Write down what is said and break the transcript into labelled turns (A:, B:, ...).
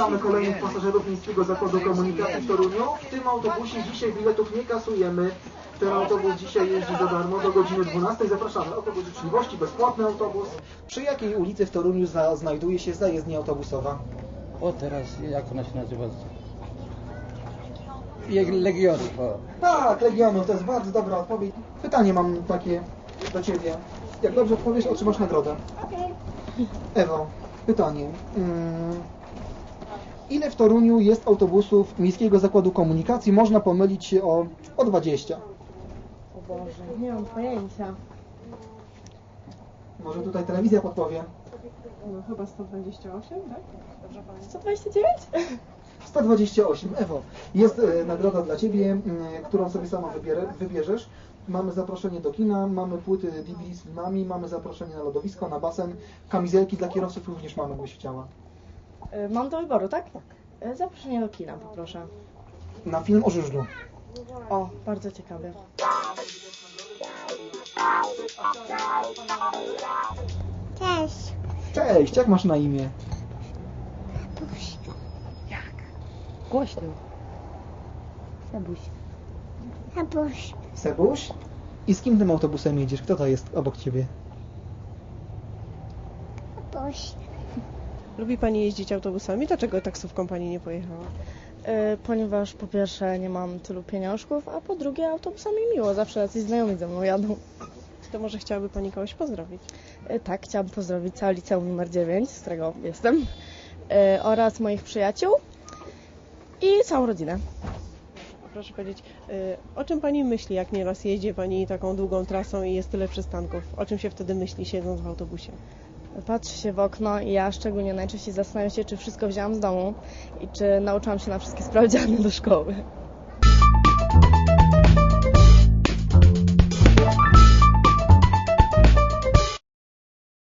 A: Witamy kolejnych pasażerów Miejskiego Zakładu Komunikacji w Toruniu. W tym autobusie dzisiaj biletów nie kasujemy. Ten autobus dzisiaj jeździ za darmo do godziny 12. Zapraszamy. Autobus życzliwości, bezpłatny autobus. Przy jakiej ulicy w Toruniu znajduje się zajezdnia autobusowa?
B: O, teraz, jak ona się nazywa? Legionów.
A: Tak, Legionów, to jest bardzo dobra odpowiedź. Pytanie mam takie do Ciebie. Jak dobrze odpowiesz, otrzymasz nagrodę. Ewo, pytanie. Ile w Toruniu jest autobusów Miejskiego Zakładu Komunikacji? Można pomylić się o 20.
C: O Boże, nie mam pojęcia.
A: Może tutaj telewizja podpowie.
C: No chyba 128, tak? Dobrze pamiętam. 129?
A: 128. Ewo, jest nagroda dla Ciebie, którą sobie sama wybierzesz. Mamy zaproszenie do kina, mamy płyty DVD z filmami, mamy zaproszenie na lodowisko, na basen, kamizelki dla kierowców również mamy, gdybyś chciała.
C: Mam do wyboru, tak? Tak. Zaproszenie do kina, poproszę.
A: Na film o żużlu.
C: O, bardzo ciekawie.
D: Cześć.
A: Cześć, jak masz na imię?
B: Jak? Głośno. Sebuś.
D: Abuś.
A: Sebuś? I z kim tym autobusem jedziesz? Kto to jest obok Ciebie?
D: Abuś.
E: Lubi Pani jeździć autobusami? Dlaczego taksówką Pani nie pojechała?
C: Ponieważ po pierwsze nie mam tylu pieniążków, a po drugie autobusami miło, zawsze jacyś znajomi ze mną jadą.
E: To może chciałaby Pani kogoś pozdrowić?
C: Tak, chciałam pozdrowić całe liceum numer 9, z którego jestem, oraz moich przyjaciół i całą rodzinę.
E: Proszę powiedzieć, o czym Pani myśli, jak nieraz jeździ Pani taką długą trasą i jest tyle przystanków? O czym się wtedy myśli, siedząc w autobusie?
C: Patrzę się w okno i ja szczególnie najczęściej zastanawiam się, czy wszystko wzięłam z domu i czy nauczyłam się na wszystkie sprawdziany do szkoły.